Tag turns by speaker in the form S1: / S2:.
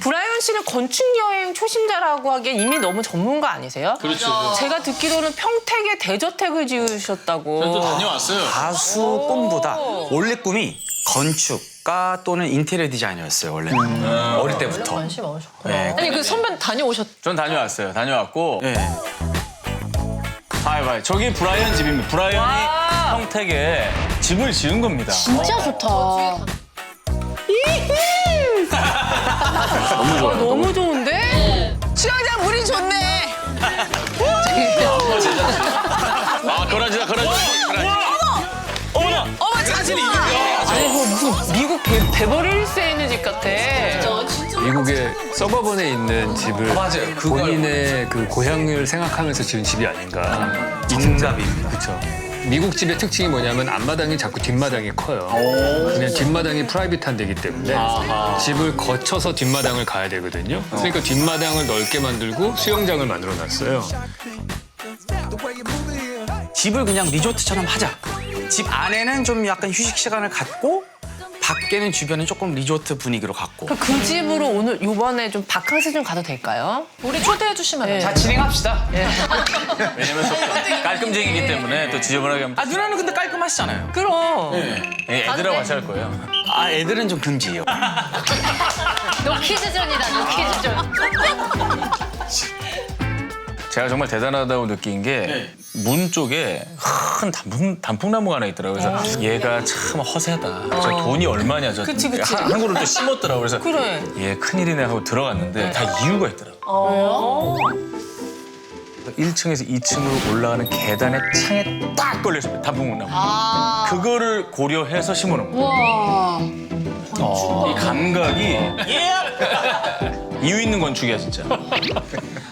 S1: 브라이언 씨는 건축 여행 초심자라고 하기엔 이미 너무 전문가 아니세요?
S2: 그렇죠.
S1: 제가 듣기로는 평택에 대저택을 지으셨다고.
S2: 저도 다녀왔어요.
S3: 가수 꿈보다 원래 꿈이 건축가 또는 인테리어 디자이너였어요, 원래는. 어릴 때부터.
S1: 관심 많으셨구나.
S3: 네.
S1: 아니 그 선배 다녀오셨.
S2: 전 다녀왔어요. 다녀왔고.
S3: 네.
S2: 봐요. 저기 브라이언 집입니다. 브라이언이 평택에 집을 지은 겁니다.
S4: 진짜 좋다.
S2: 너무 좋아요.
S1: 너무 좋은데? 수영장 물이 좋네.
S2: 아, 거라지다. 어머나!
S1: 어머 자신이 아니 뭐 무슨 미국 베버리 힐스에 있는 집 같아.
S5: 미국의 서버번에 있는 집을
S3: 맞아요. 그거
S5: 본인의 그 고향을 생각하면서 지은 집이 아닌가.
S3: 정답입니다.
S5: 그렇죠. 미국 집의 특징이 뭐냐면 앞마당이 자꾸 뒷마당이 커요. 그냥 뒷마당이 프라이빗한 데기 때문에 집을 거쳐서 뒷마당을 가야 되거든요. 그러니까 뒷마당을 넓게 만들고 수영장을 만들어 놨어요.
S3: 집을 그냥 리조트처럼 하자. 집 안에는 좀 약간 휴식 시간을 갖고 밖에는 주변은 조금 리조트 분위기로 갖고.
S1: 그럼 그 집으로 오늘 요번에 좀 바캉스 좀 가도 될까요? 우리 초대해 주시면 안 돼요?
S3: 자, 진행합시다.
S2: 왜냐면 또 깔끔쟁이기 때문에 또 지저분하게 하면.
S3: 아, 누나는 근데 깔끔하시잖아요.
S1: 그럼.
S2: 애들하고 같이 할 거예요.
S3: 아, 애들은 좀 금지예요.
S4: 노키즈존이다, 노키즈존.
S2: 제가 정말 대단하다고 느낀 게 문 쪽에 큰 단풍나무가 하나 있더라고요. 그래서 얘가 참 허세다. 저 돈이 얼마냐. 저
S1: 그치.
S2: 한 그루 또 심었더라고요. 그래서
S1: 그래.
S2: 얘 큰일이네 하고 들어갔는데 다 이유가 있더라고요. 1층에서 2층으로 올라가는 계단에 창에 딱 걸려있어요. 단풍나무. 그거를 고려해서 심어놓은 거예요.
S4: 우와.
S2: 이 감각이 이유 있는 건축이야 진짜.